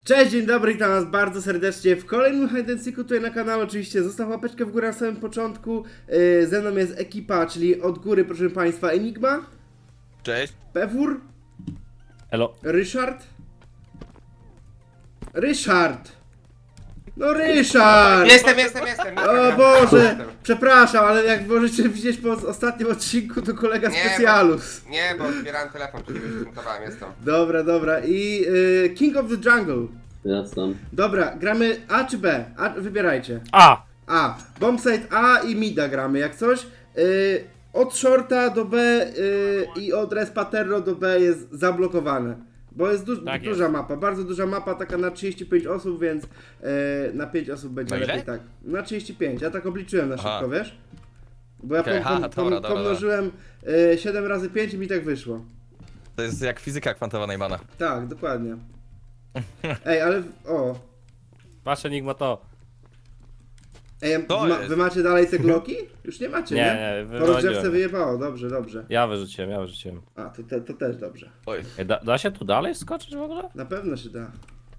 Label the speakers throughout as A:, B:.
A: Cześć, dzień dobry, witam was bardzo serdecznie w kolejnym Hide and Seeku tutaj na kanale. Oczywiście zostaw łapeczkę w górę na samym początku. Ze mną jest ekipa, czyli od góry, proszę państwa, Enigma,
B: Cześć.
A: Pewór,
C: Elo.
A: Ryszard! No Ryszard!
D: Jestem.
A: O Boże, przepraszam, ale jak możecie widzieć po ostatnim odcinku, to kolega
D: Nie,
A: specjalus.
D: Nie, bo odbierałem telefon, czyli już zmontowałem, jestem.
A: Dobra. I King of the Jungle.
E: Jasne.
A: Dobra, gramy A czy B? A, wybierajcie.
C: A!
A: A. Bombsite A i mida gramy, jak coś. Od shorta do B i od respa Terro do B jest zablokowane. Bo jest
C: Tak
A: duża mapa, bardzo duża mapa, taka na 35 osób, więc na 5 osób będzie
B: Na ile?
A: lepiej tak. Na 35, ja tak obliczyłem na szybko,
B: Aha.
A: wiesz? Bo ja
B: Okej, dobra.
A: pomnożyłem 7 razy 5 i mi tak wyszło.
B: To jest jak fizyka kwantowa Neymana.
A: Tak, dokładnie. Ej, ale... O.
C: Patrz Enigma to.
A: Ej,
B: To jest.
A: wy macie dalej te gloki? Już nie macie, nie?
C: Nie,
A: Po rozgrzewce
C: wywaliłem.
A: wyjebało, dobrze.
C: Ja wyrzuciłem.
A: A, to też dobrze.
B: Oj.
C: Ej, da się tu dalej skoczyć w ogóle?
A: Na pewno się da.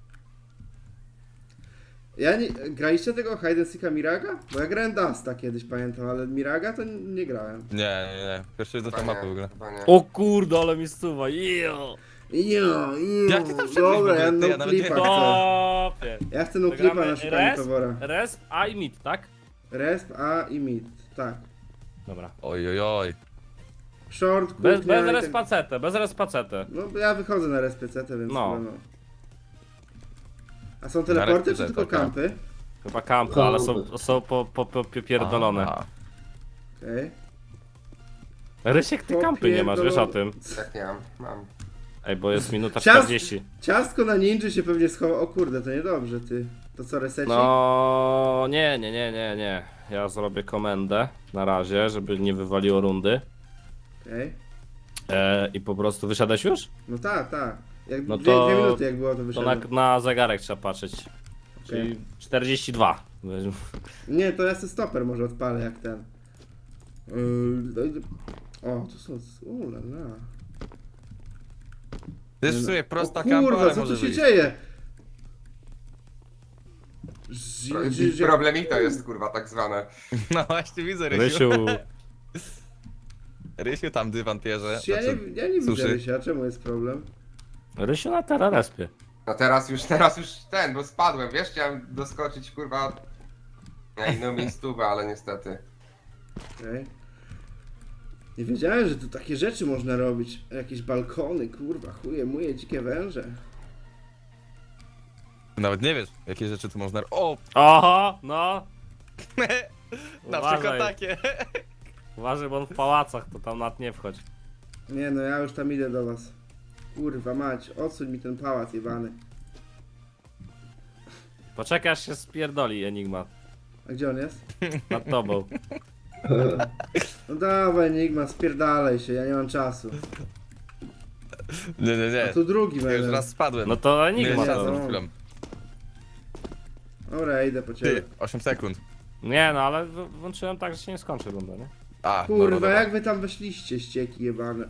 A: Ja nie... Graliście tego Hide and Seeka Miraga? Bo ja grałem Dusta kiedyś, pamiętam, ale Miraga to nie grałem.
B: Nie. Pierwszy do tej mapy w ogóle.
D: Chyba nie.
C: O kurde, ale mi stuwa. Jo!
B: Jak ty tam wszedłeś w
A: Dobra,
B: ogóle?
A: ja
B: Ty,
A: no
B: ja nawet nie-
A: clipa chcę.
C: Topie!
A: Ja chcę no clipa na szukanie towara.
C: Resp, A i mid, tak?
A: Resp, A i mid. Tak.
C: Dobra.
B: Oj.
A: Short,
C: Bez
A: kuchnia i tak-
C: respacetę, bez respacetę.
A: No bo ja wychodzę na respecetę, więc
C: No.
A: chyba no. A są teleporty czy
B: respecetę,
A: tylko
B: tak.
A: kampy?
C: Chyba kampy, ale są popierdolone.
A: Okej.
C: Rysiek, ty kampy nie masz, wiesz o tym.
D: Tak nie mam.
C: Ej, bo jest minuta
A: Ciast-
C: 40.
A: Ciastko na ninja się pewnie schowa. O kurde, to niedobrze, ty. To co, reseci?
C: No nie. Ja zrobię komendę na razie, żeby nie wywaliło rundy.
A: Okej.
C: I po prostu wysiadać już?
A: No tak. Jak
C: No
A: dwie
C: to-
A: minuty jak było, to
C: To
A: wyszedłem.
C: na zegarek trzeba patrzeć. Czyli 42.
A: Nie, to ja sobie stoper może odpalę jak ten. O, to są... Ulala.
B: To jest w sumie prosta
A: O
B: kampa,
A: kurwa,
B: ale
A: co
B: może
A: tu się
B: wyjść.
A: dzieje?
D: Problemik to jest, kurwa, tak zwane.
B: No właśnie widzę Rysiu.
C: Rysiu.
B: Rysiu tam dywan pierze.
A: Ja nie widzę
B: suszy.
A: Rysia, czemu jest problem?
C: Rysiu na terrorespie.
D: No teraz już ten, bo spadłem, wiesz, chciałem doskoczyć, kurwa, na inną miejscówę, ale niestety.
A: Okej. Nie wiedziałem, że tu takie rzeczy można robić. Jakieś balkony, kurwa, chuje, muje, dzikie węże.
B: Nawet nie wiesz, jakie rzeczy tu można... O!
C: Oho, no.
B: Na
C: Uważaj.
B: przykład takie.
C: Uważaj, bo on w pałacach, to tam nad nie wchodź.
A: Nie no, ja już tam idę do was. Kurwa mać, odsuń mi ten pałac jebany.
C: Poczekaj, aż się spierdoli Enigma.
A: A gdzie on jest?
C: Nad tobą.
A: No dawaj Enigma, spierdalaj się, ja nie mam czasu.
B: Nie.
A: A tu drugi
B: Ja już
A: będę.
B: raz spadłem.
C: No to
B: Nie
C: Enigma
B: jest
C: to.
B: przed chwilą.
A: Dobra, ja idę po ciebie.
B: Ty, 8 sekund.
C: Nie no, ale włączyłem tak, że się nie skończy runda, nie?
B: A,
A: Kurwa,
B: dobra.
A: jak wy tam weszliście, ścieki jebane.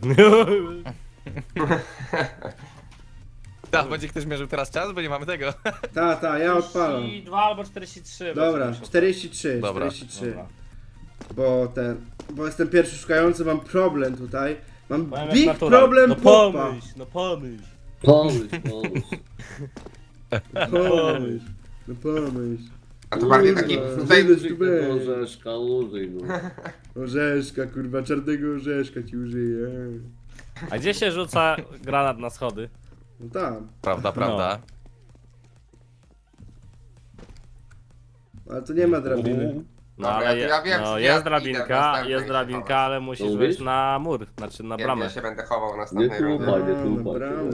B: Tak, będzie ktoś mierzył teraz czas, bo nie mamy tego.
A: Ta, ja odpalam.
C: 42 albo 43.
A: Dobra, 43,
B: Dobra.
A: 43.
C: Dobra.
A: Bo jestem pierwszy szukający, mam problem tutaj. Mam
C: Powiem jak
A: big
C: natura.
A: problem
C: No
A: popa.
C: pomyśl, no pomyśl.
E: Pomyśl.
A: Pomyśl. No pomyśl.
D: A to bardziej taki,
A: Kurwa.
D: tutaj,
A: Użyj tu weź.
E: Orzeszka, użyj no.
A: Orzeszka, kurwa, czarnego orzeszka ci użyję.
C: A gdzie się rzuca granat na schody?
A: No tam.
B: Prawda.
A: Ale tu nie ma drabiny.
C: No
D: Dobra,
C: ale
D: to ja wiem,
C: no,
D: ja
C: jest
D: idę
C: drabinka,
D: następnej
C: jest
D: się
C: drabinka,
D: chować.
C: ale musisz
E: Mówisz?
C: wejść na mur, znaczy na
D: nie,
C: bramę.
D: ja się będę chował w
E: Nie
D: następnej rundzie.
E: tłupaj, nie
A: Na
E: tłupaj.
A: bramę.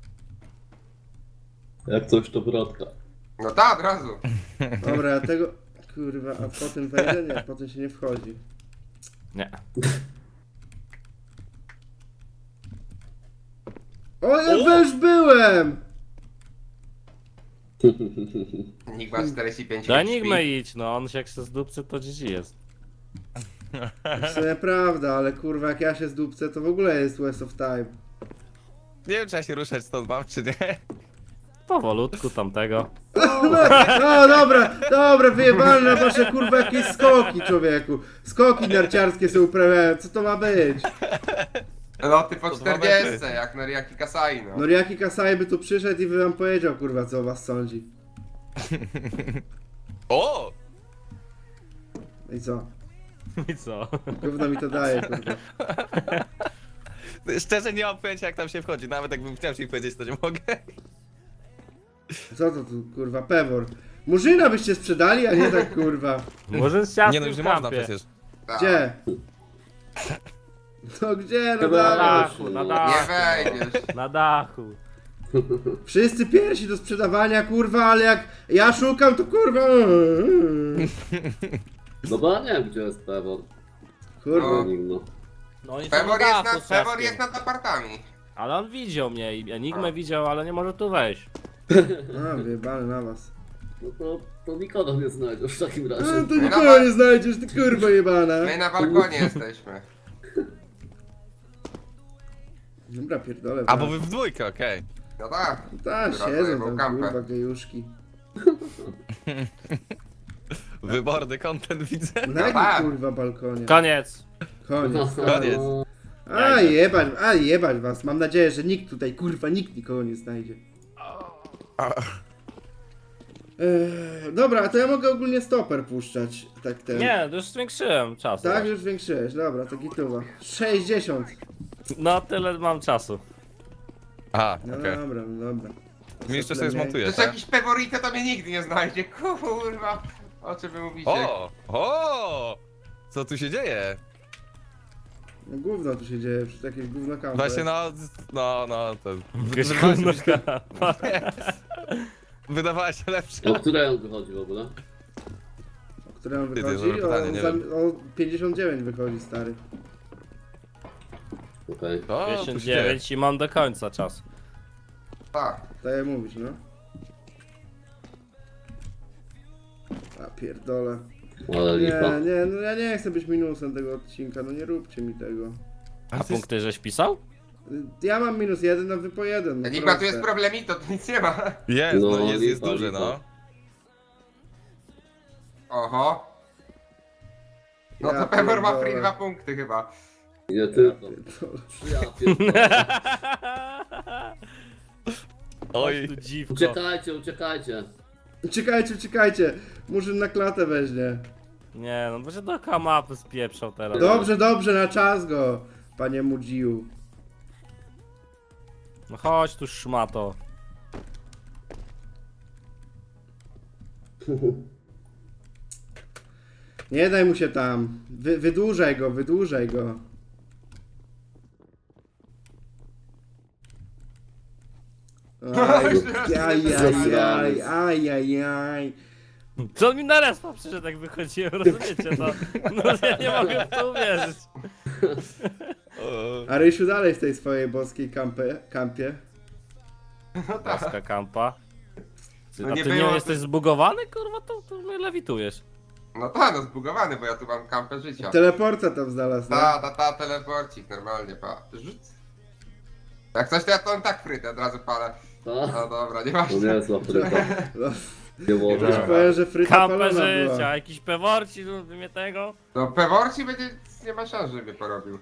E: Jak coś to wrotka.
D: No tak, od razu.
A: Dobra, ja tego... Kurwa, a potem wejdę? Nie, potem się nie wchodzi.
C: Nie.
A: O, ja już byłem!
D: Enigma 45
C: Do
D: śpi.
C: Enigmy idź, no on się jak się zdupcy to GG jest.
A: W sumie prawda, ale kurwa, jak ja się zdupcę, to w ogóle jest waste of time.
B: Nie wiem, czy ja się ruszać stąd mam, czy nie.
C: powolutku tamtego.
A: No dobra, wyjebane na wasze kurwa jakieś skoki, człowieku. Skoki narciarskie sobie uprawiają, co to ma być?
D: No ty po
B: To 2
D: 40,
B: metry.
D: jak Noriaki Kasai, no.
A: Noriaki Kasai by tu przyszedł i by wam powiedział, kurwa, co o was sądzi.
B: O!
A: No i co?
C: I co?
A: Gówno mi to daje, kurwa.
B: Szczerze nie mam pojęcia jak tam się wchodzi, nawet jakbym chciał ci powiedzieć to nie mogę.
A: Co to tu, kurwa, pewor? Murzyna byście sprzedali, a nie tak, kurwa.
C: Może z ciastem
B: Nie no już nie
C: w
B: można
C: kampie.
B: przecież.
D: Tak.
A: Gdzie? No gdzie? No
E: Chyba
C: Na
A: dawaj.
C: dachu, na
D: Nie
C: dachu.
D: wejdziesz.
C: Na dachu.
A: Wszyscy pierwsi do sprzedawania, kurwa, ale jak ja szukam, to kurwa...
E: No bo ja nie wiem, gdzie jest Pewor.
A: Kurwa.
E: Enigma.
C: No oni są
D: Pewor
C: na
D: jest,
C: dachu z
D: Pewor
C: ciastkiem.
D: jest nad apartami.
C: Ale on widział mnie i Enigmę widział, ale nie może tu wejść.
A: A, wyjebany na was.
E: No to nikogo nie znajdziesz w takim
A: A,
E: razie.
A: to nikogo nie znajdziesz, ty kurwa jebana.
D: My na balkonie jesteśmy.
A: Dobra, pierdolę.
B: A bo wy w dwójkę, okej.
D: No tak.
A: Tak,
D: Dobra,
A: siedzą
D: zajebał
A: tam,
D: kampę.
A: kurwa, gejuszki.
B: Wyborny content widzę.
A: Na jakim
D: tak.
A: kurwa balkonie?
C: Koniec.
A: Koniec.
B: Koniec.
A: A jebać was. Mam nadzieję, że nikt tutaj, kurwa, nikt nikogo nie znajdzie. Dobra, to ja mogę ogólnie stoper puszczać. Tak ten.
C: Nie, już zwiększyłem czas.
A: Tak, już zwiększyłeś. Dobra, to gituwa. 60.
C: No tyle mam czasu.
B: Aha,
A: No
B: okej.
A: dobra, no dobra.
B: Mi jeszcze sobie
D: To
B: zmontuję,
D: jest
B: tak?
D: jakiś Peworite, to mnie nigdy nie znajdzie. Kurwa. O czym wy mówicie?
B: O! Co tu się dzieje?
A: No gówno tu się dzieje, przy jakieś gówno kampy.
B: Właśnie no, to...
C: Jakieś
B: wydawała się
C: gówno
B: być-
C: kapa.
B: Wydawała się lepsza.
E: O której on wychodzi w ogóle?
A: O którym
B: Ty, to jest
A: wychodzi?
B: dobre pytanie, nie wiem.
A: O 59 wychodzi, stary.
E: Okej.
B: O, tu się dzieje.
C: 59 i mam do końca czas.
D: Tak.
A: Tak jak mówisz, no. A pierdolę.
E: Ale lipa.
A: Nie, no ja nie chcę być minusem tego odcinka, no nie róbcie mi tego.
C: A punkty żeś pisał?
A: Ja mam -1, a wy po 1. No
D: Enigma, tu
A: proste.
D: jest problemito, tu nic nie ma.
B: Jest,
E: No,
B: no, jest
E: lipa,
B: duży,
E: lipa.
B: no.
D: Oho. No
A: Ja
D: to Pevor ma
A: pierdolę.
D: free 2 punkty chyba.
E: Nie tylko.
A: Pierdolę.
E: Ja pierdolę.
B: Oj.
C: Tu dziwko.
E: Uciekajcie.
A: Uciekajcie. Murzyn na klatę weźmie.
C: Nie, no bo się do kamapy spieprzał teraz.
A: Dobrze, na czas go, panie Mudziu.
C: No chodź tu szmato.
A: Nie daj mu się tam. Wydłużaj go. Ajajaj.
C: Co mi na respa przyszedł jak wychodziłem, rozumiecie to? No ja nie mogę w to uwierzyć.
B: O.
A: A Rysiu dalej w tej swojej boskiej kampie.
C: Paska kampa. Ty,
D: No
C: a
D: nie
C: ty nie
D: było-
C: jesteś zbugowany, kurwa? To mnie lewitujesz.
D: No tak, no zbugowany, bo ja tu mam kampę życia.
A: Teleporta tam znalazł, no?
D: Ta, teleporcik, normalnie, pa. Rzuć. Jak coś to ja to tak frytę od razu palę.
E: Ta?
D: No dobra, nie
E: To
D: ważne.
E: nie jest łapryka.
A: No,
E: Nie może.
A: już powiem, że fryta
C: Kampę
A: palona
C: życia,
A: była.
C: jakiś peworci, mnie tego.
D: No Peworci będzie, nie ma szans, żeby porobił.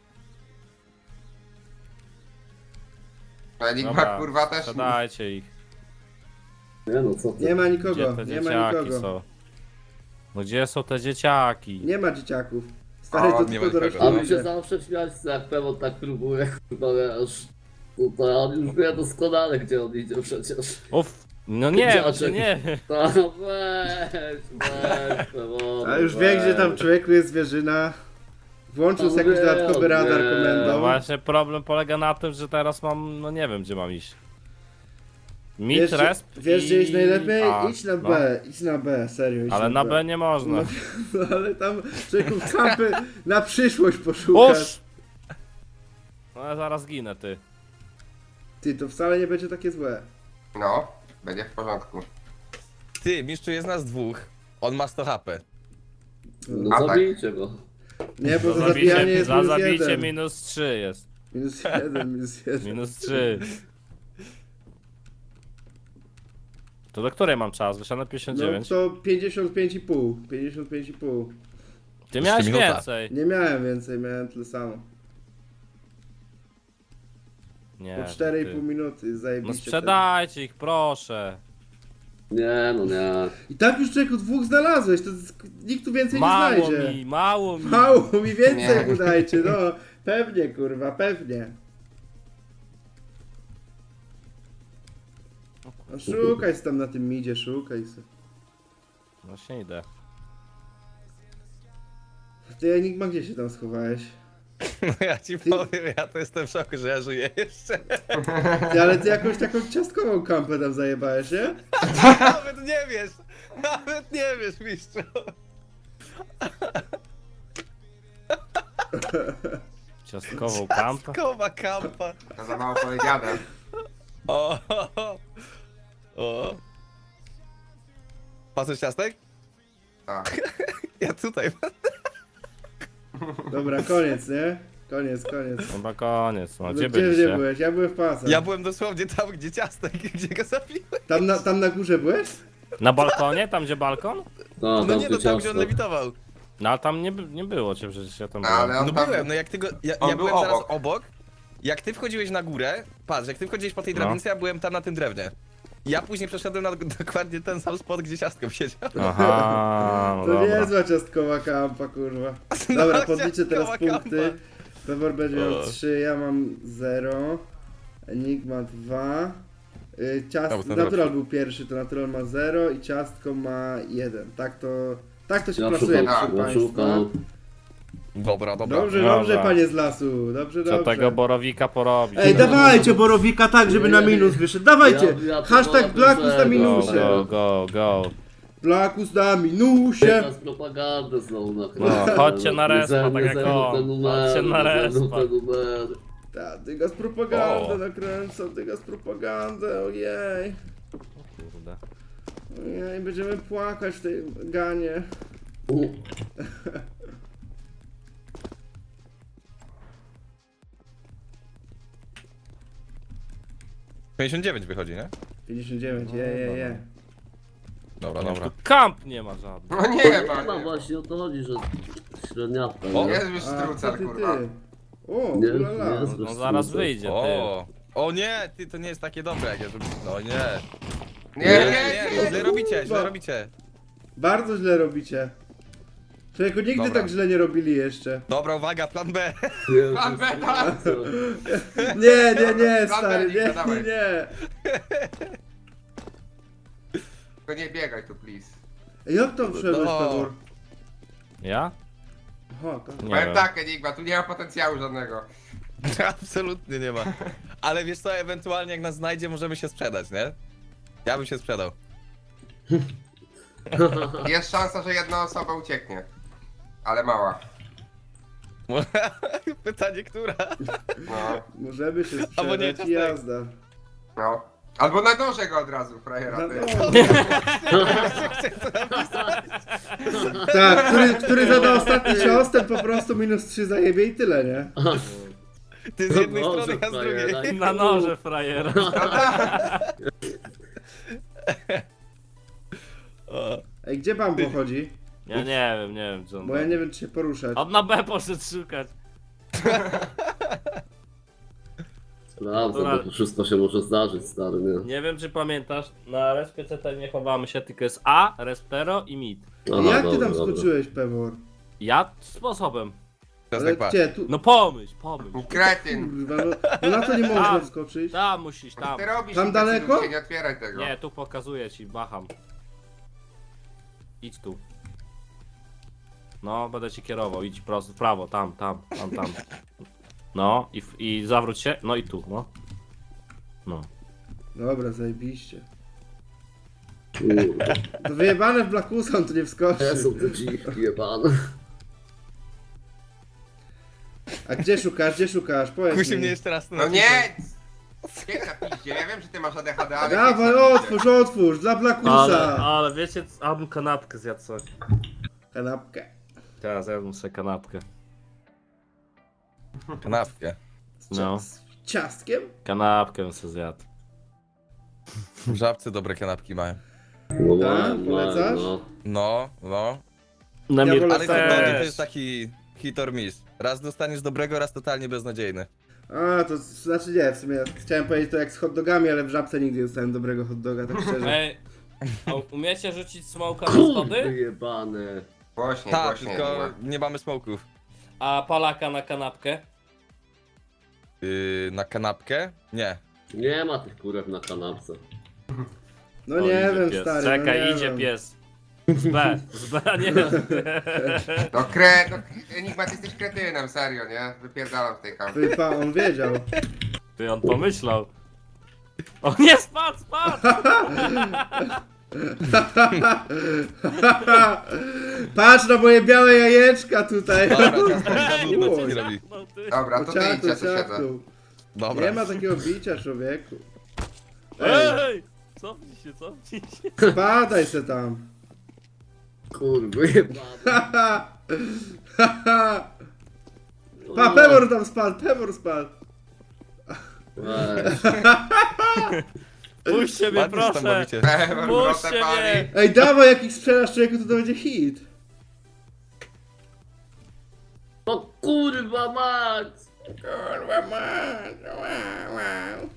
D: A Enigma
C: Dobra,
D: kurwa też.
C: sprzedajcie ich.
E: Nie no, co ty?
A: Nie ma
C: Gdzie
A: nikogo,
C: te
A: nie ma
C: dzieciaki
A: nikogo.
C: są? No gdzie są te dzieciaki?
A: Nie ma dzieciaków. Stary,
D: O,
A: to
B: nie
A: tylko
B: ma
A: dorośli
B: nikogo.
E: A mi się
A: ludzie.
E: zawsze śmiać, jak Pewor tak próbuje, kurwa wiesz. Tutaj on już wie doskonale, gdzie on idzie przecież.
C: Uff, no nie,
E: Dzieciaczek.
C: nie.
E: Ta, weź, Pewor.
A: A już wie, gdzie tam człowieku jest zwierzyna. Włączył sobie jakiś dodatkowy radar
E: Nie.
C: No
A: komendą.
C: właśnie problem polega na tym, że teraz mam, no nie wiem gdzie mam iść. Mid,
A: Wiesz,
C: resp
A: wiesz gdzie iść
C: i
A: najlepiej?
C: A,
A: Idź na
C: no.
A: B, idź na B, serio. Idź
C: Ale na B nie można.
A: No, ale tam człowieku w kampy na przyszłość poszukasz.
C: Uż! No ja zaraz ginę, ty.
A: Ty, to wcale nie będzie takie złe.
D: No, będzie w porządku.
B: Ty, mistrzu jest nas dwóch. On ma 100 HP.
E: No
D: A tak.
E: zabijcie go.
A: Nie, bo za zabijanie jest
C: za
A: minus
C: zabicie
A: 1.
C: minus 3 jest.
A: Minus 1, minus 1.
C: Minus 3. To do której mam czas? Wyszedłem na
A: No
C: 59.
A: to 55,5. 55,5.
C: Ty miałeś
B: minuta.
C: więcej.
A: Nie miałem więcej, miałem tyle samo.
C: Nie.
A: Po 4,5
C: ty.
A: minuty,
C: No
A: zajebiście.
C: sprzedajcie ich, proszę.
E: Nie, no nie.
A: I tak już człowieku 2 znalazłeś, to nikt tu więcej nie
C: Mało
A: znajdzie.
C: mi, mało mi.
A: Mało mi więcej
D: Nie.
A: mu dajcie, no. Pewnie kurwa, pewnie. No szukaj se tam na tym midzie, szukaj se.
C: Właśnie idę.
A: Ty Enigma, gdzie się tam schowałeś?
B: No ja ci powiem, ja to jestem w szoku, że ja żyję jeszcze.
A: Ty, ale ty jakąś taką ciastkową kampę tam zajebałeś, nie?
B: Nawet nie wiesz, nawet nie wiesz, mistrzu.
C: Ciastkową kampę.
B: Kowa kampa.
D: To za mało powiedziane.
B: O, o. Patrzysz ciastek?
D: Tak.
B: Ja tutaj.
A: Dobra, koniec, nie? Koniec.
C: Chyba koniec, no
A: No
C: gdzie
A: gdzie
C: byliście?
A: byłeś? Ja byłem w pasach.
B: Ja byłem dosłownie tam, gdzie ciastek, gdzie go zabiłem.
A: Tam na górze byłeś?
C: Na balkonie? Tam gdzie balkon?
E: No,
B: No nie, no tam gdzie on
E: ciasto.
B: lewitował.
C: No ale tam nie było cię, przecież ja tam
D: No,
C: byłem.
D: ale on
B: No
D: tam...
B: byłem, no jak ty go, ja
D: on był
B: byłem zaraz
D: obok.
B: obok. Jak ty wchodziłeś na górę, patrz, jak ty wchodziłeś po tej
C: No.
B: drabince, ja byłem tam na tym drewnie. Ja później przeszedłem na dokładnie ten sam spot, gdzie ciastko siedział.
C: Aha, no
A: To
C: dobra.
A: niezła ciastkowa kampa, kurwa. Dobra,
B: No,
A: podliczę teraz
B: ciastkowa
A: punkty.
B: kampa.
A: Pewor będzie miał
B: O.
A: 3, ja mam 0. Enigma 2.
B: No, bo ten
A: Natural był pierwszy, to Natural ma 0 i ciastko ma 1. Tak to się
E: Ja
A: plasuje,
E: szukam,
A: proszę
E: ja
A: państwa.
E: szukam.
B: Dobra, dobra.
A: Dobrze,
C: Dobra.
A: dobrze, panie z lasu. Dobrze,
C: Trzeba
A: dobrze.
C: tego borowika porobić.
A: Ej, dawajcie borowika tak, żeby na minus wyszedł. Dawajcie!
E: Ja to
A: Hashtag
E: wolę
A: Blackus na
E: zero.
C: Go,
A: minusie.
C: go.
A: Blackus na minusie.
E: Teraz propagandę znowu nakręcę.
C: No, chodźcie na respa,
E: Nie
C: tak jak
E: zerwą
C: on.
E: te numery,
C: Chodźcie na
E: nie zerwą
C: respa.
E: te numery.
A: Ta, ty z propagandę
B: O.
A: nakręcą, ty z propagandę, ojej.
C: Kurde.
A: Ojej, będziemy płakać w tej ganie.
E: U,
B: 59 wychodzi, nie?
A: 59, je.
B: Dobra, dobra.
C: Kamp nie ma żadnych.
D: No nie,
E: nie
D: ma,
E: ma właśnie o to chodzi, że średniawka,
B: O,
E: nie?
D: Jest już
A: A, co
D: strucer,
A: ty,
D: kurwa.
A: ty? O,
E: Nie,
A: ulala.
E: nie jest
C: No
E: bez
C: zaraz
E: strucer.
C: wyjdzie, ty.
B: O nie, ty, to nie jest takie dobre jak ja to... No nie.
D: Nie,
B: źle robicie, źle robicie.
A: Bardzo źle robicie. Człowieku, nigdy
B: Dobra.
A: tak źle nie robili jeszcze.
B: Dobra, uwaga, plan B.
E: Nie,
D: Plan
E: bez
D: B, tak.
E: strucer.
A: Nie,
D: Plan
A: stary,
D: B,
A: nie,
D: dawaj.
A: nie.
D: Tylko nie biegaj tu, please.
A: Ej, jak tam wszedłeś,
B: No.
A: Pawor?
C: Ja?
A: Aha, tak.
C: Nie
D: Powiem
C: wiem.
D: tak, Enigma, tu nie ma potencjału żadnego.
B: Absolutnie nie ma. Ale wiesz co, ewentualnie jak nas znajdzie, możemy się sprzedać, nie? Ja bym się sprzedał.
D: Jest szansa, że jedna osoba ucieknie. Ale mała.
B: Pytanie, która?
D: No,
A: Możemy się
B: Albo nie,
A: sprzedać i
B: ciastek.
A: jazda.
D: no. Albo na noże go od razu, frajera,
A: Na
D: ty.
A: Tak, który zada ostatni cios, ten po prostu -3 zajebie i tyle, nie?
B: Ty z jednej
E: Boże,
B: strony, ja z
E: frajera.
B: drugiej.
C: Na noże, frajera.
B: O,
A: Ej, gdzie Bambo chodzi?
C: Ja nie wiem gdzie on
A: Bo ja nie wiem, czy się poruszać.
C: On na B poszedł szukać.
E: Prawda, bo to wszystko się może zdarzyć, stary, nie?
C: Nie wiem czy pamiętasz, na respie CT nie chowamy się, tylko jest A, respero i mid.
E: Aha,
A: Jak ty
E: dobra,
A: tam
E: dobra.
A: skoczyłeś, Pewor?
C: Ja sposobem.
B: teraz
A: Ale
B: tak patrz.
A: gdzie? Tu...
C: No pomyśl.
D: Kretyn.
A: Kurwa, no na to nie można
C: Tam.
A: wskoczyć.
C: Tam musisz,
D: Co
C: tam.
D: ty robisz?
A: Tam
D: imbecylu?
A: daleko?
D: Się nie otwieraj tego.
C: Nie, tu pokazuję ci, macham. Idź tu. No, będę ci kierował, idź prosto, w prawo, tam. No, i zawróć się, no i tu, no. No.
A: Dobra, zajebiście.
E: Kurde,
A: To wyjebane w Blackusa, on tu nie wskoczy.
E: te są te dziwki jebane.
A: A gdzie szukasz? Powiedz
B: Kusi
A: mi.
B: mnie jeszcze raz.
D: No nie! Bieg na piździe, ja wiem, że ty masz ADHD, ale...
A: Dawaj, otwórz, dla Blackusa.
C: Ale wiecie, abym kanapkę zjadł sobie.
A: Kanapkę.
C: Teraz jadłem sobie kanapkę.
B: Kanapkę.
C: No,
A: Z ciastkiem?
C: kanapkę bym sobie zjadł.
B: W Żabce dobre kanapki mają.
E: No,
A: Tak? Polecasz?
E: no.
B: No.
C: Na
A: Ja
C: mnie
A: wolę
B: Ale
A: Też.
B: hot dogi to jest taki hit or miss. Raz dostaniesz dobrego, raz totalnie beznadziejny.
A: A, to znaczy nie, w sumie chciałem powiedzieć to jak z hot dogami, ale w Żabce nigdy nie dostałem dobrego hot doga, tak szczerze.
C: Ej, a umiecie rzucić smoka na
E: Kurde
C: schody?
E: jebane.
D: Głośniej,
B: Tak,
D: głośniej.
B: tylko
D: było.
B: nie mamy smoków.
C: A palaka na kanapkę?
B: Na kanapkę? Nie.
E: Nie ma tych kurek na kanapce.
A: No
C: O,
A: nie
C: idzie
A: wiem,
C: pies.
A: stary,
C: Czekaj,
A: no nie
C: idzie
A: wiem.
C: pies. Z B, nie.
D: No Enigma, ty jesteś kretynem, serio, nie? Wypierdalam w tej kampie.
A: Wypa, on wiedział.
C: Ty on pomyślał. O nie, spadł!
A: Patrz na moje białe jajeczka tutaj.
B: Dobra, Kasper,
A: Oj.
B: co ci robi?
C: No ty.
D: Dobra, to ty idź,
A: Ciaku,
D: ja tu siedzę.
A: ciaku.
B: Dobra.
A: Nie ma takiego bicia, człowieku. Ej,
C: Ej! Cofnij się.
A: spadaj se tam.
E: Kurwa jebane.
A: Pa, Pewor tam spadł, Pewor spadł.
E: Weź.
C: Puśćcie mnie,
B: Ładnie się tam
C: proszę.
B: bawicie.
C: Puśćcie mnie.
A: Ej, dawaj, jak ich sprzedasz, człowieku, to będzie hit.
E: No kurwa mać!
A: Kurwa, man. Wow.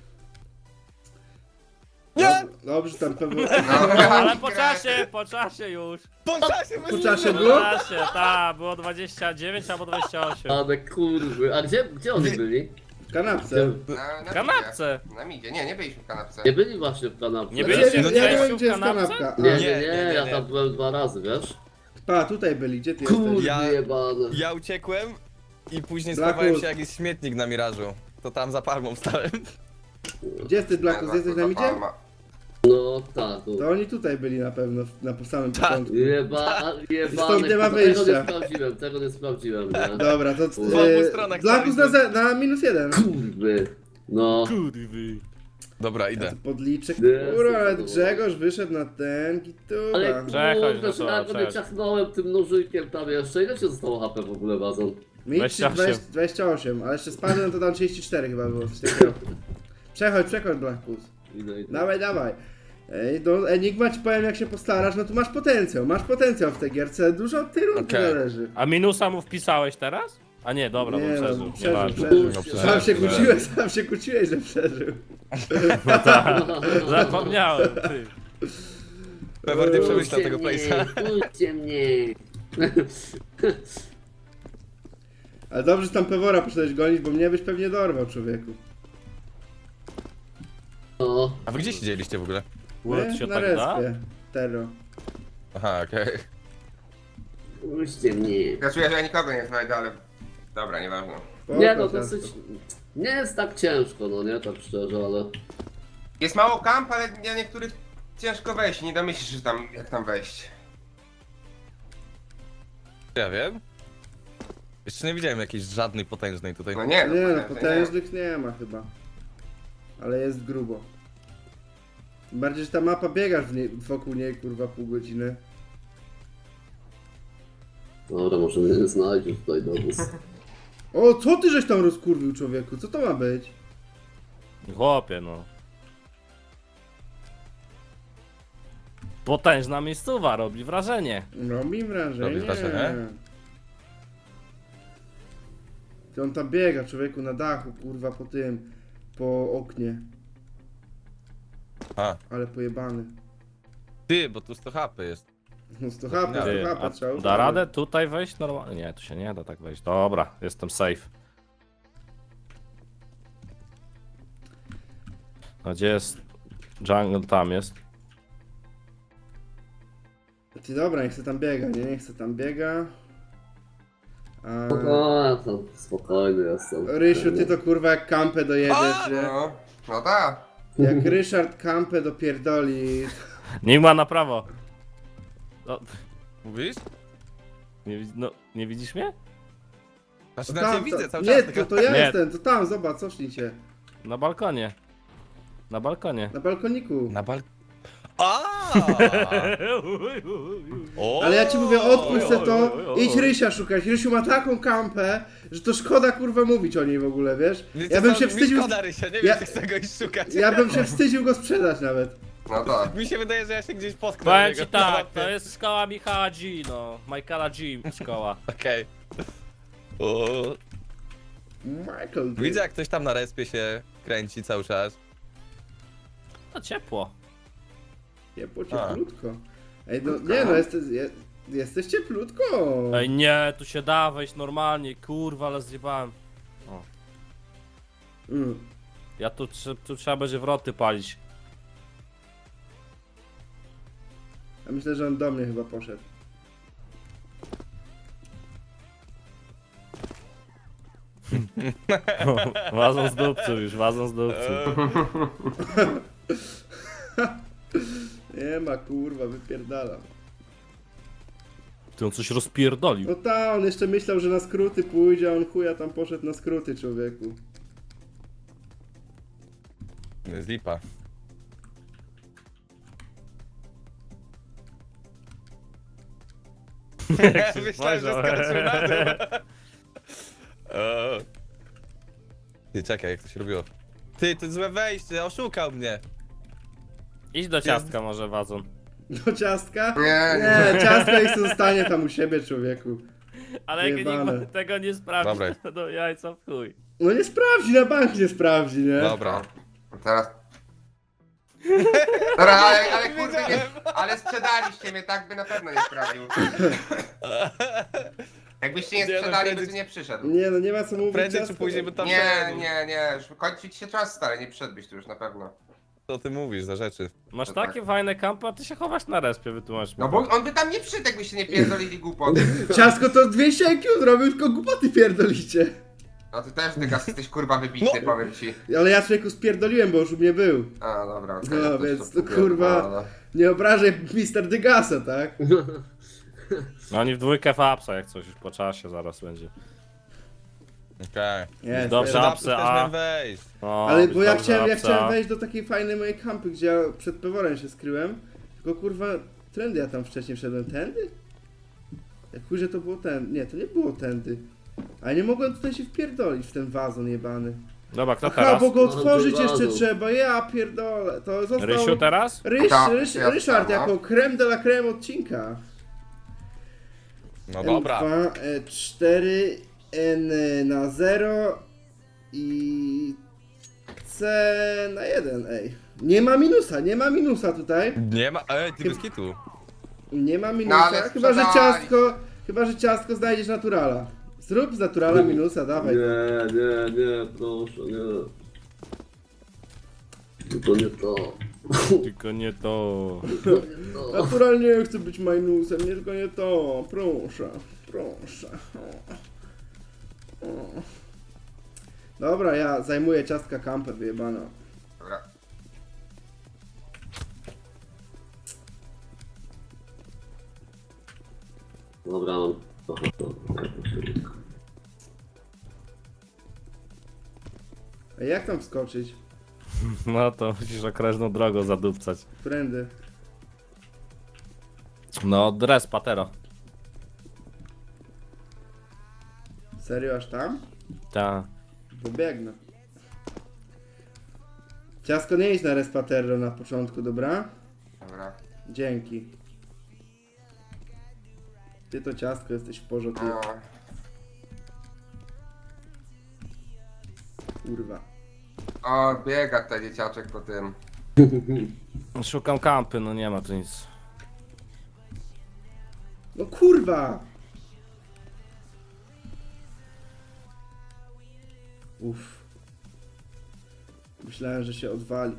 B: Nie!
A: Dobrze, tam Pewor...
C: Ale po czasie już.
B: Po czasie
A: Po czasie
C: Po
A: było?
C: czasie, tak, było 29 albo 28.
E: Ale kurwy. A gdzie oni byli?
A: W kanapce.
D: Na
C: Kanapce.
D: midzie. Na midzie, nie byliśmy w kanapce.
E: Nie byli właśnie w kanapce.
C: Nie
A: Znaczy,
C: byliście
A: ja
C: w
A: nie
C: Grzesiu
A: wiem, gdzie jest
C: kanapce?
A: kanapka.
E: Nie,
A: A,
E: nie,
B: Nie,
E: nie,
B: nie,
E: ja
B: nie.
E: tam byłem 2 razy, wiesz?
A: Pa, tutaj byli, gdzie ty jesteś?
E: Kurwy
B: Ja-
E: jebane.
B: Ja uciekłem i później
A: Blackus.
B: schowałem się jakiś śmietnik na mirażu. To tam za palmą stałem.
A: Gdzie jesteś, Blackus? Jesteś na midzie?
E: No tak, tu.
A: To oni tutaj byli na pewno, na samym
B: Tak.
A: początku.
E: Jebane,
A: nie ma
E: tego
A: wyjścia.
E: nie sprawdziłem, tego nie sprawdziłem, nie?
A: Dobra, to
B: obu stronach
A: Blackus
B: staliśmy.
A: na -1.
E: Kurwy. No.
C: Kurwy.
B: Dobra,
A: Ja
B: idę.
A: to podliczę,
E: Nie,
A: kurwa, ale
E: to
A: Grzegorz wyszedł na ten gituba.
E: Ale
C: Czekaj,
E: kurde,
C: no
E: że
C: to,
E: ja go nie
C: cześć.
E: ciachnąłem tym nożykiem tam jeszcze. Ile ci zostało HP w ogóle, Wazon?
A: Mi
C: 28.
A: 28, ale jeszcze spadłem, to tam 34 chyba było, coś takiego. Przechodź, Blackus.
E: Idę.
A: Dawaj. Ej, no Enigma ci powiem, jak się postarasz, no to masz potencjał w tej gierce, dużo od tej rundy
B: Okej.
A: zależy.
C: A minusa mu wpisałeś teraz? A nie, dobra,
A: Nie,
C: bo
A: no,
C: przeżył.
A: przeżył,
C: Nieważne.
A: przeżył.
B: No,
A: Sam się kłóciłeś, że przeżył.
C: No tak, zapomniałem, ty.
B: Pewor nie przemyślał tego place'a.
E: Puśćcie mnie.
A: Ale dobrze, że tam Pewora poszedłeś gonić, bo mnie byś pewnie dorwał, człowieku.
E: No.
B: A wy gdzie siedzieliście w ogóle?
C: Łód się
A: Na
C: tak da?
A: respie. Terro.
B: Aha, okej.
E: Puśćcie mnie.
D: Ja czuję, że ja nikogo nie znajdę, ale... Dobra, nieważne.
E: Nie no,
A: Spoko,
E: dosyć... Nie jest tak ciężko, no nie, tak szczerze, ale...
D: Jest mało kamp, ale ja niektórych ciężko wejść. Nie domyślisz się tam, jak tam wejść.
B: Ja wiem. Jeszcze nie widziałem jakiejś żadnej potężnej tutaj.
D: No nie,
A: Nie no,
D: nie.
A: potężnych nie ma chyba. Ale jest grubo. Tym bardziej, że ta mapa biegasz wokół niej, kurwa, pół godziny.
E: Dobra, może mnie nie znajdziesz tutaj dowóz.
A: O, co ty żeś tam rozkurwił, człowieku? Co to ma być?
C: Chłopie, no. Potężna miejscowa, robi wrażenie.
A: Robi wrażenie.
B: Robi wrażenie?
A: Ty on tam biega, człowieku, na dachu, kurwa, po oknie.
B: A,
A: Ale pojebany.
B: ty, bo tu 100 HP jest.
A: No 100 HP,
C: Ty,
A: 100
C: a
A: HP, trzeba
C: da
A: uważać.
C: radę tutaj wejść normalnie? Nie, tu się nie da tak wejść. Dobra, jestem safe. A gdzie jest jungle? Tam jest.
A: Ty dobra, niech se tam biega, nie? Niech se tam biega. A...
E: No, ja tam spokojny jestem.
A: Rysiu, ty to kurwa jak kampę dojedziesz, nie?
D: No, no tak.
A: Jak Ryszard kampę dopierdoli.
C: Nie ma na prawo. No,
B: Mówisz?
C: nie widzisz mnie?
B: Znaczy,
A: To
B: na ciebie
A: tam,
B: widzę cały
A: nie,
B: czas.
A: to,
B: tylko-
A: to ja
C: Nie.
A: jestem, to tam, zobacz, cofnijcie.
C: Na balkonie. Na balkonie.
A: Na balkoniku.
B: Na bal... A! O!
A: Ale ja ci mówię, odpuść se to,
C: oj, oj.
A: idź Rysia szukać. Rysiu ma taką kampę, że to szkoda kurwa mówić o niej w ogóle, wiesz?
B: Wiecie
A: Ja bym
B: co,
A: się
B: mi
A: wstydził,
B: Szkoda, Rysia, nie
A: Ja-
B: wiem, czy chcę go iść szukać.
A: ja bym się wstydził go sprzedać nawet.
D: No to.
B: Mi się wydaje, że ja się gdzieś potknę.
C: Powiem
B: do
C: ci
B: niego na
C: tak,
B: mapie.
C: to jest szkoła Michała G, no. Michaela G szkoła.
B: Okej. O,
A: Michael.
B: widzę jak ktoś tam na respie się kręci cały czas.
C: To ciepło.
A: Ciepło, cieplutko. Ej, no nie no, jesteś cieplutko.
C: Ej nie, tu się da wejść normalnie, kurwa, ale zjebałem.
A: Mm.
C: Ja tu trzeba będzie wroty palić.
A: Ja myślę, że on do mnie chyba poszedł.
C: Wazon z dupcu już, wazon z dupcu.
A: Nie ma kurwa, wypierdalam.
C: Ty on coś rozpierdolił.
A: No ta, on jeszcze myślał, że na skróty pójdzie, a on chuja tam poszedł na skróty, człowieku.
B: To jest lipa. Myślałem, że skoczył na dół. O. Ty, czekaj, jak to się robiło. Ty, to złe wejście, oszukał mnie.
C: Idź do ciastka może wazon.
A: Do ciastka?
D: Nie,
A: Nie, ciastko niech zostanie tam u siebie, człowieku.
C: Ale jak
A: Jebane.
C: nikt tego nie sprawdzi,
B: Dobra.
C: to do jajca w chuj.
A: No nie sprawdzi, na bank nie sprawdzi, nie?
B: Dobra.
D: Teraz. Dobra, ale kurde, nie, ale sprzedaliście mnie, tak by na pewno nie sprawił. Jakbyście nie
B: Nie, no,
D: sprzedali, by
B: prędzej-
D: tu nie przyszedł.
A: Nie no, nie ma co mówić.
B: Prędzej czy
A: ciastko.
B: później by tam
D: Nie,
B: wszedł.
D: nie, już kończy ci się czas, stary, nie przyszedłbyś tu już na pewno.
B: Co ty mówisz za rzeczy?
C: Masz
D: To
C: takie fajne kampy, a ty się chowasz na respie, wytłumacz mi.
D: No bo on by tam nie przyszedł, jakbyście nie pierdolili głupot.
A: Ciastko to 2 sieki zrobił, tylko głupoty pierdolicie.
D: No ty też, Dygas, jesteś kurwa wybitny, powiem ci.
A: Ale ja człowieku spierdoliłem, bo już u mnie był.
D: A, dobra, okej.
A: No,
D: ja też
A: więc
D: to
A: to kurwa-
D: no.
A: Nie obrażaj Mr. Dygasa, tak?
C: No oni w dwójkę fapsa, jak coś już po czasie zaraz będzie.
B: Okej.
A: Nie,
C: Dobrze,
A: serio.
C: a-
B: Zapsy też
C: a-
B: miałem wejść.
C: No,
A: Ale
C: być
A: bo ja
C: dobrze,
A: chciałem
C: apsa.
A: wejść do takiej fajnej mojej kampy, gdzie ja przed Peworem się skryłem. Tylko kurwa, trendy ja tam wcześniej wszedłem. Tędy? Jak chuj, że to było ten. Nie, to nie było tędy. Ale nie mogłem tutaj się wpierdolić w ten wazon jebany.
C: Dobra, kto
A: Aha,
C: teraz?
A: bo go
E: No,
A: otworzyć
E: to
A: jeszcze
E: wazon.
A: trzeba. Ja pierdolę. To został...
C: Rysiu teraz?
D: Tak, ja
A: Ryszard
D: no.
A: jako creme de la creme odcinka.
B: No dobra.
A: M2, 4, N na 0 i C na 1, ej. Nie ma minusa tutaj.
B: Nie ma. Ej, ty bez kitu.
A: Nie ma
D: No,
A: minusa,
D: ale
A: chyba że ciastko znajdziesz naturala. Zrób z naturala minusa, dawaj.
E: Nie, proszę, nie. To nie to.
C: Tylko nie to.
E: No.
A: Natural nie chce być minusem, nie tylko nie to. Proszę, proszę. O. Dobra, ja zajmuję ciastka kampę wyjebana.
D: Dobra.
E: Dobra, mam.
A: A jak tam wskoczyć?
C: No to musisz okrężną drogą zadupcać.
A: Prędy.
C: No, dres patero.
A: Serio aż tam?
C: Ta.
A: Bo biegnę. Ciasko nie idź na respaterro na początku, dobra?
D: Dobra.
A: Dzięki. Ty to ciastko jesteś w porządku.
D: No.
A: Kurwa.
D: O, biega ten dzieciaczek po tym.
C: Szukam kampy, no nie ma tu nic.
A: No kurwa! Uff. Myślałem, że się odwali.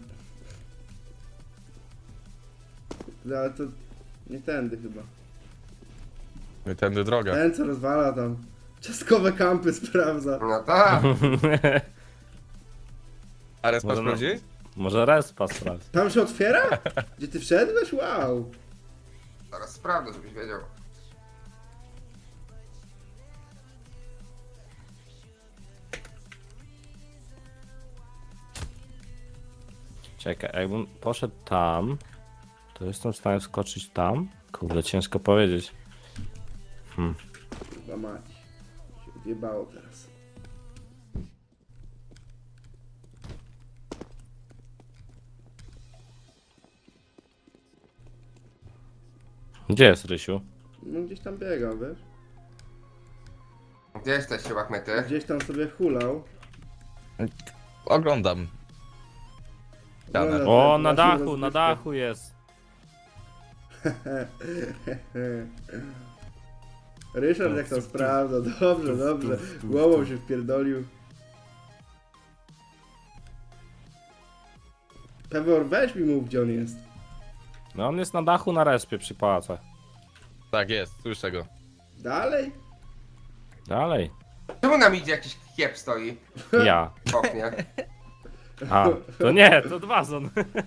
A: No, ale to nie tędy chyba.
B: No i tędy droga.
A: Ten co rozwala tam. Ciastkowe kampy sprawdza.
D: No tak.
B: A respa
C: Może no.
B: sprawdziłeś?
C: Może respa sprawdź.
A: Tam się otwiera? Gdzie ty wszedłeś? Wow.
D: Zaraz sprawdzę, żebyś wiedział.
C: Czekaj, jakbym poszedł tam, to jestem w stanie wskoczyć tam? Kurde, ciężko powiedzieć.
A: Chyba mać. Się odjebało teraz.
C: Gdzie jest Rysiu?
A: No gdzieś tam biegał, wiesz?
D: Gdzie jesteście, łachmyty?
A: Gdzieś tam sobie hulał.
B: Oglądam. Jadę.
C: O, na
A: Właśnie
C: dachu, na
A: rozgrywkę.
C: dachu jest.
A: Ryszard jak tam sprawdza, dobrze, dobrze. Głową się wpierdolił. Pewor, weź mi mów, gdzie on jest.
C: No on jest na dachu na respie przy pałacach.
B: Tak jest, słyszę go.
A: Dalej?
C: Dalej.
D: Czemu nam idzie jakiś kiep stoi
C: Ja.
D: w oknie?
C: A, to nie, to Dwazon.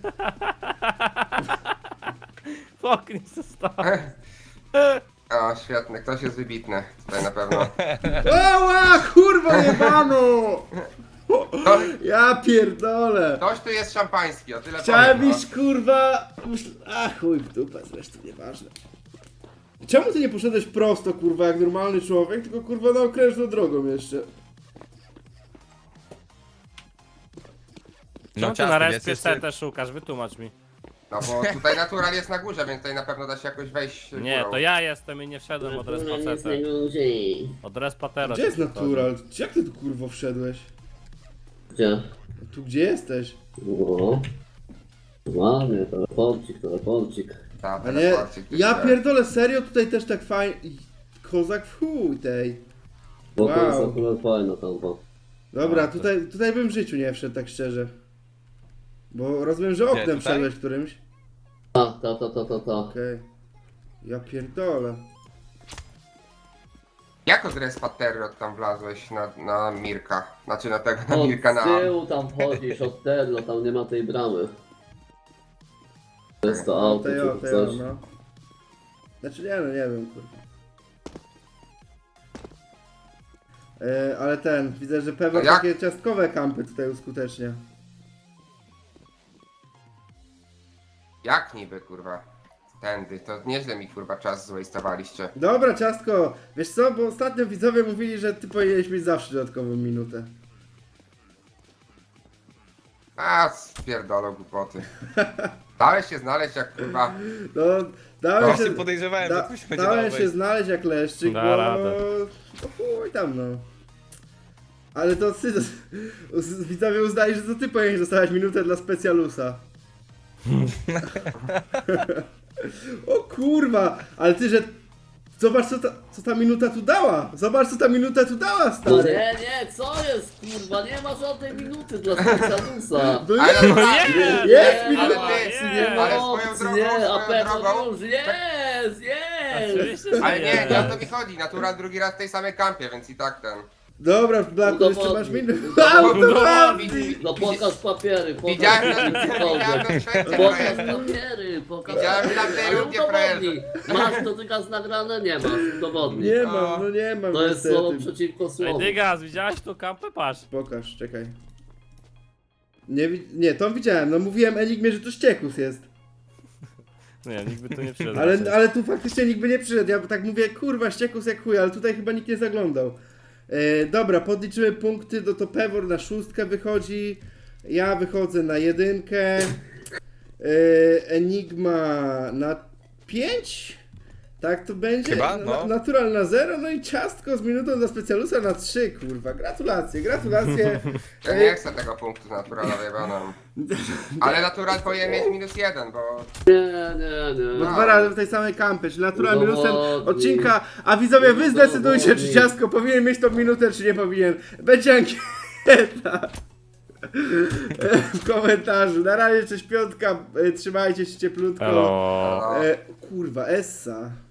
C: W oknie został.
D: O, świetny, ktoś jest wybitny tutaj na pewno.
A: Oła, kurwa jebano!
D: To,
A: Ja pierdolę!
D: ktoś tu jest szampański, o tyle
A: Chciałem
D: powiem, no.
A: iść, kurwa... A chuj w dupę, zresztą nieważne. Czemu ty nie poszedłeś prosto, kurwa, jak normalny człowiek, tylko kurwa na okrężną drogą jeszcze?
C: Czemu ty
B: ciasny,
C: na
B: więc
C: respie
B: jeszcze-
C: setę szukasz? Wytłumacz mi.
D: No bo tutaj natural jest na górze, więc tutaj na pewno da się jakoś wejść
C: Nie,
D: górą.
C: to ja jestem i nie wszedłem od respa setę. Od respatera.
A: Gdzie jest natural? Jak ty tu kurwo wszedłeś?
E: Gdzie?
A: Tu gdzie jesteś?
E: No. Ładnie, teleporcik.
D: Ta,
A: A nie,
D: teleporcik, ty
A: ja
D: się-
A: pierdolę, serio tutaj też tak fajnie... Kozak w chuj tej.
E: Bo to jest
A: Wow.
E: akurat fajna tampa.
A: Dobra,
C: A, to-
A: tutaj bym w życiu nie wszedł, tak szczerze. Bo rozumiem, że oknem
B: tutaj?
A: wszedłeś którymś.
E: Ta.
A: Okej. Ja pierdolę.
D: Jak od respa Terror tam wlazłeś na Mirka? Znaczy na tego, na
E: Od
D: Mirka, na...
E: tyłu tam chodzisz, od terlo, tam nie ma tej bramy. To jest to auto,
A: Tej
E: czy coś.
A: no. Znaczy nie no, nie wiem, kurwa. Ale widzę, że pewnie
D: A jak?
A: takie ciastkowe kampy tutaj uskutecznia.
D: Jak niby, kurwa? Tędy, to nieźle mi, kurwa, czas zwastowaliście.
A: Dobra, ciastko, wiesz co, bo ostatnio widzowie mówili, że ty powinieneś mieć zawsze dodatkową minutę.
D: A, spierdolą głupoty. Dałeś się znaleźć jak, kurwa...
A: No, dałem
B: Właśnie
A: się...
B: podejrzewałem, że coś będzie
A: dałem
B: dało
A: się znaleźć jak leszczyk,
C: Da
A: bo...
C: radę.
A: No chuj tam, no. Ale to ty, widzowie uznali, że to ty powinieneś dostawać minutę dla specjalusa. O kurwa, ale ty, że... Zobacz co ta minuta tu dała! Zobacz co ta minuta tu dała,
E: No
A: stary!
E: nie, co jest kurwa, nie ma żadnej minuty dla Specjalusa.
A: No
D: Ale
A: nie,
D: tak,
A: jest
D: ale
A: minuta!
D: ty,
E: nie
D: ale
E: ma
D: swoją
E: opcji,
D: drogą,
E: nie, a
D: swoją
E: pewno
D: drogą...
E: już jest!
C: Oczywiście, że
D: Ale nie o to
C: nie.
D: mi chodzi, natural drugi raz w tej samej kampie, więc i tak ten...
A: Dobra, Blaku, jeszcze masz
E: Udowodnij,
A: minutę.
E: udowodnij. No pokaż papiery,
D: Widziałem
E: pokaż
D: na
E: cokolwiek.
D: świecie
E: Pokaż
D: projektu.
E: papiery, pokaż
D: Widziałem
E: papiery,
D: tamtej
E: ale
D: ludzie
E: udowodnij. Masz dotykas nagrane? Nie masz, udowodnij.
A: Nie mam, no nie mam
E: To jest słowo
A: niestety.
E: przeciwko
C: Ej,
E: słowu.
C: Dygas, widziałeś tu kampę? Patrz.
A: Pokaż, czekaj. Nie, to widziałem, no mówiłem Enigmie, że to ściekus jest.
C: Nie, nikt by tu nie przyszedł.
A: Ale tu faktycznie nikt by nie przyszedł. Ja tak mówię, kurwa, ściekus jak chuj, ale tutaj chyba nikt nie zaglądał. Dobra, podliczymy punkty, no to Pewor na 6 wychodzi. Ja wychodzę na 1. Enigma na 5. Tak to będzie?
B: Chyba, no.
A: Natural na 0, no i ciastko z minutą dla specjalusa na 3, kurwa. Gratulacje, gratulacje.
D: Ja nie chcę tego punktu naturalowej, bo no. Ale natural powinien mieć -1, bo...
E: Nie.
A: Bo 2 razy w tej samej kampie, czyli natural minusem
E: Udowodnij.
A: odcinka, a widzowie wy zdecydujcie, czy
E: Udowodnij.
A: ciastko powinien mieć tą minutę, czy nie powinien. Będzie ankieta w komentarzu. Na razie cześć piątka, trzymajcie się cieplutko.
C: Hello.
A: Kurwa, Essa.